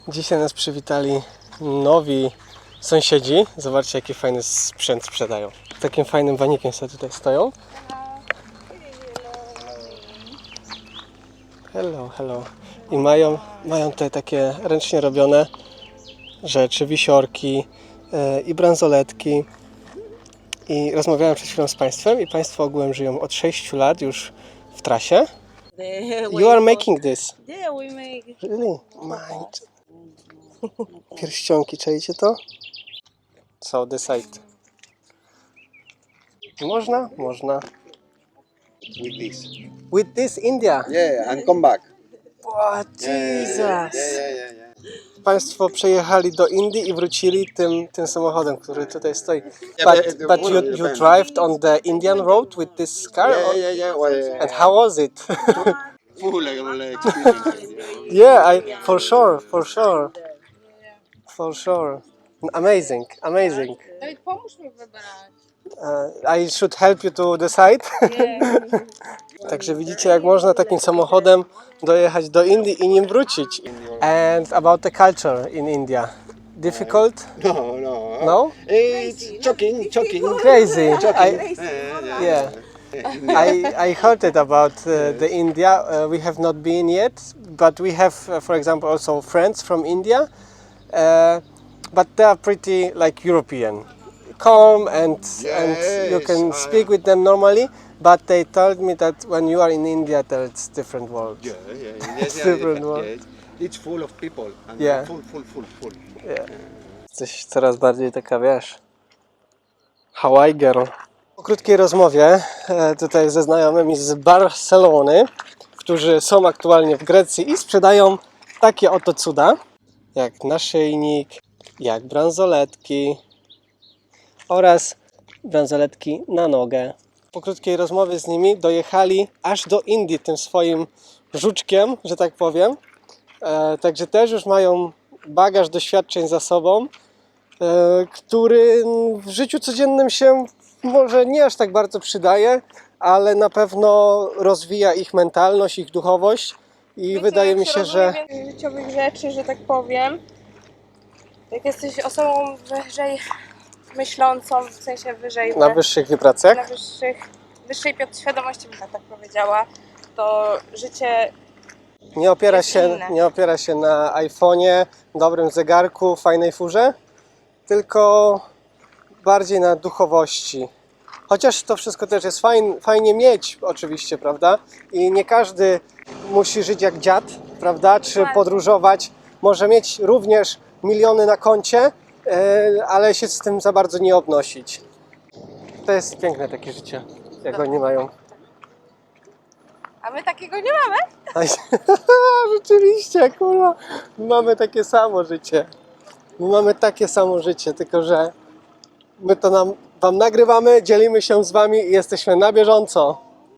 Dzisiaj nas przywitali nowi sąsiedzi. Zobaczcie, jaki fajny sprzęt sprzedają. Takim fajnym wanikiem sobie tutaj stoją. Hello, hello. I mają tutaj takie ręcznie robione rzeczy, wisiorki i bransoletki. I rozmawiałem przed chwilą z Państwem i Państwo ogółem żyją od 6 lat już w trasie. You are making this? Yeah, we make. Really? Mind. Pierścionki, czajcie to? So decide. Można? Można. With this. With this India? Yeah, and come back. What? Jesus! Yeah. Państwo przejechali do Indii i wrócili tym samochodem, który tutaj stoi. But you drove on the Indian road with this car? Yeah. Well, And how was it? full experience. Yeah, for sure. Amazing. Dawid, pomóż mi wybrać. I should help you to decide. Także widzicie, jak można takim samochodem dojechać do Indii i nim wrócić. And about the culture in India. Difficult? No. No? It's choking. Crazy. Yeah. I heard it about the India. We have not been yet, but we have, for example, also friends from India. But they are pretty like European, calm and you can Yes, speak with them normally. But they told me that when you are in India, that it's different world. Yeah. Different one. It's full of people. And Yeah. Full. Yeah. Jesteś coraz bardziej taka, wiesz, Hawaii girl. Po krótkiej rozmowie tutaj ze znajomymi z Barcelony, którzy są aktualnie w Grecji i sprzedają takie oto cuda, jak naszyjnik, jak bransoletki oraz bransoletki na nogę. Po krótkiej rozmowie z nimi dojechali aż do Indii tym swoim żuczkiem, że tak powiem. Także też już mają bagaż doświadczeń za sobą, który w życiu codziennym się może nie aż tak bardzo przydaje, ale na pewno rozwija ich mentalność, ich duchowość i Wiecie, wydaje jak mi się, że więcej życiowych rzeczy, że tak powiem. Jak jesteś osobą wyżej myślącą, w sensie wyżej na wyższych wibracjach na wyższej świadomości, bym tak powiedziała, to życie nie opiera jest się, inne. nie opiera się na iPhone'ie, dobrym zegarku, fajnej furze, tylko bardziej na duchowości. Chociaż to wszystko też jest fajnie mieć oczywiście, prawda? I nie każdy musi żyć jak dziad, prawda? Czy podróżować. Może mieć również miliony na koncie, ale się z tym za bardzo nie obnosić. To jest piękne takie życie, jak oni mają. A my takiego nie mamy? Rzeczywiście, kurwa, my mamy takie samo życie. Tylko że my to wam nagrywamy, dzielimy się z wami i jesteśmy na bieżąco.